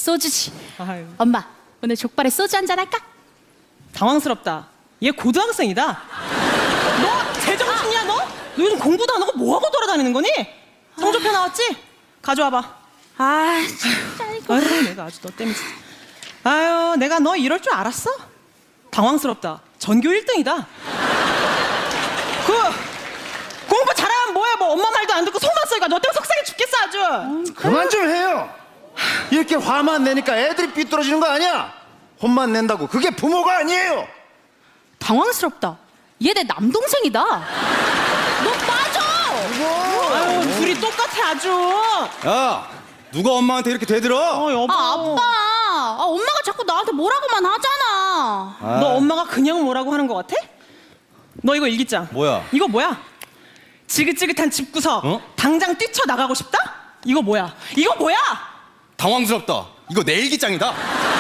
소주지. 아유. 엄마, 오늘 족발에 소주 한잔 할까? 당황스럽다. 얘 고등학생이다. 너 제정신이야 너? 너 요즘 공부도 안 하고 뭐하고 돌아다니는 거니? 성적표 나왔지? 가져와봐. 아, 진짜 이거. 아유 내가 아주 너 때문에 진짜. 아유 내가 너 이럴 줄 알았어? 당황스럽다. 전교 1등이다. 공부 잘하면 뭐해? 뭐 엄마 말도 안 듣고 속만 써니까 너 때문에 속상해 죽겠어 아주. 그만 좀 해요. 이렇게 화만 내니까 애들이 삐뚤어지는 거 아니야? 혼만 낸다고 그게 부모가 아니에요. 당황스럽다. 얘 내 남동생이다. 너 빠져. 아유 둘이 똑같아 아주. 야, 누가 엄마한테 이렇게 대들어? 여보. 아, 아빠. 아, 엄마가 자꾸 나한테 뭐라고만 하잖아. 아, 너 엄마가 그냥 뭐라고 하는 거 같아? 너 이거 일기장. 뭐야? 이거 뭐야? 지긋지긋한 집구석. 어? 당장 뛰쳐나가고 싶다? 이거 뭐야? 이거 뭐야? 당황스럽다. 이거 내 일기장이다.